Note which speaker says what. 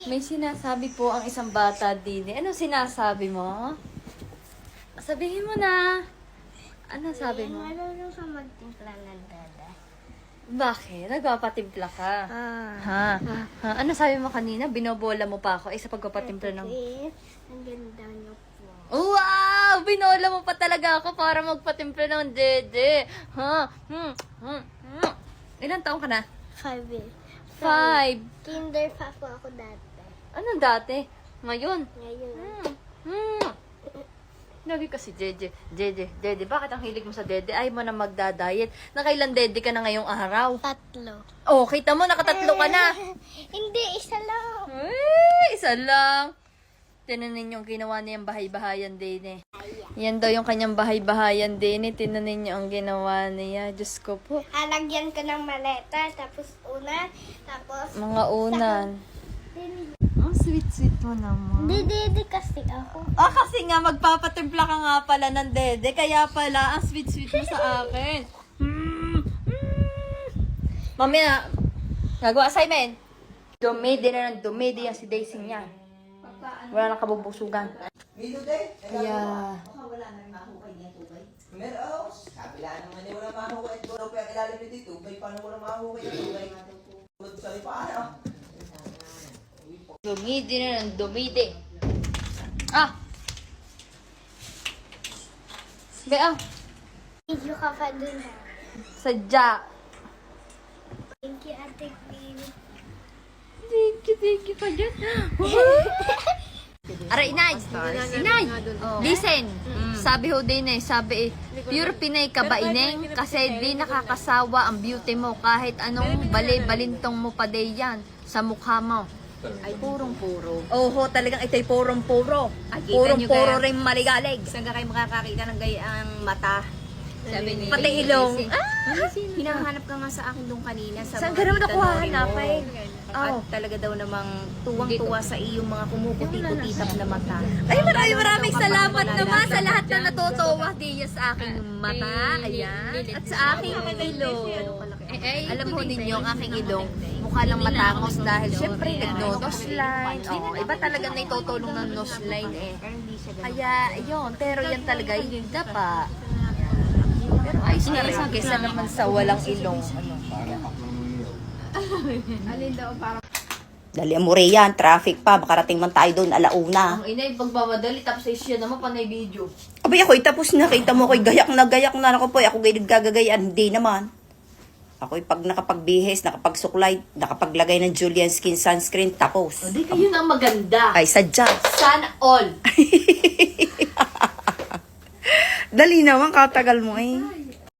Speaker 1: May sinasabi po ang isang bata din. Ano sinasabi mo? Sabihin mo na. Ano sabi mo?
Speaker 2: Marunong ka magtimpla ng dada.
Speaker 1: Bakit? Nagpapatimpla ka. Ha? Ano sabi mo kanina? Binobola mo pa ako sa pagpapatimpla ng...
Speaker 2: Ang ganda niyo po.
Speaker 1: Wow! Binola mo pa talaga ako para magpatimpla ng dede. Ha? Ilan taong ka na?
Speaker 2: 5 eh.
Speaker 1: 5.
Speaker 2: Kinder pa po ako dati.
Speaker 1: Anong dati? Ngayon?
Speaker 2: Ngayon.
Speaker 1: Lagi kasi Dede. Bakit ang hilig mo sa dede? Ay mo na magda-diet. Nakailan dede ka na ngayong araw?
Speaker 2: 3.
Speaker 1: Oh, kita mo, nakatatlo ka na.
Speaker 2: Hindi, isa lang.
Speaker 1: Isa lang. Tinanin yung ginawa niyang bahay-bahayan din eh. Yan daw yung kanyang bahay-bahayan din eh. Tinanin niyo ang ginawa niya. Diyos ko po.
Speaker 2: Halagyan ko ng maleta, tapos unan, tapos...
Speaker 1: Mga unan. Ang sweet-sweet mo naman.
Speaker 2: Dede kasi ako.
Speaker 1: Kasi nga, magpapatimpla ka nga pala ng dede. Kaya pala, ang sweet-sweet mo sa akin. Mamaya, gagawa assignment. Dumidi na ng dumidi yan si Daisy niya. Wala nang kabubusugan. Kaya...
Speaker 3: Wala na rin mahukay niya tubay. Meron. Kabila naman niya wala mahukay. Doon pa yung ilalim nito yung tubay. Paano wala mahukay yung tubay? Tulad sa lipaano.
Speaker 1: Dumidi na ng dumidi. Bea,
Speaker 2: Video ka pa dun.
Speaker 1: sadya.
Speaker 2: Thank you, Ate Queen.
Speaker 1: Thank you pa dyan. Aray, Inay. Inay, listen. Sabi ho din pure Pinay ka ba ineng? Kasi di nakakasawa ang beauty mo kahit anong balintong mo pa day yan sa mukha mo.
Speaker 4: Ay, purong-puro.
Speaker 1: Oho, talagang ito'y purong-puro.
Speaker 4: Kita nyo
Speaker 1: Purong-puro
Speaker 4: kaya-
Speaker 1: rin maligalig.
Speaker 4: Saan ka kayo makakakita ng gayang mata? Sabi ni
Speaker 1: Pati ilong.
Speaker 4: Hinahanap ka nga sa akin doon kanina.
Speaker 1: Saan
Speaker 4: mga
Speaker 1: ka naman
Speaker 4: tita
Speaker 1: nakuha
Speaker 4: Nori mo.
Speaker 1: hanapin?
Speaker 4: At talaga daw namang tuwang-tuwa sa iyong mga kumuputi-putitap na mata.
Speaker 1: Ay, maraming salamat naman sa lahat na natutuwa diya sa aking mata. Ayan. At sa aking ilong. Alam mo ninyo, ang aking ilong, mukha lang matangos dahil syempre nag-nose line. Oh, iba talaga na itutulong ng nose line eh. Kaya, yun. Pero yan talaga, yung dapa. Pero ayos na rin kesa naman sa walang ilong.
Speaker 5: Dali mo yan, traffic pa, makarating man tayo doon, alauna.
Speaker 1: Ang inay, pagmamadali, tapos ay siya naman panay video.
Speaker 5: Abay ako'y tapos na, kita mo ako'y gayak na ako po, ako gay nagkagagayan, hindi naman. Ako'y pag nakapagbihes, nakapagsuklay, nakapaglagay ng Julian Skin Sunscreen, tapos.
Speaker 1: Hindi kayo na maganda.
Speaker 5: Ay, sadya.
Speaker 1: Sana all.
Speaker 5: Dali naman, katagal mo eh.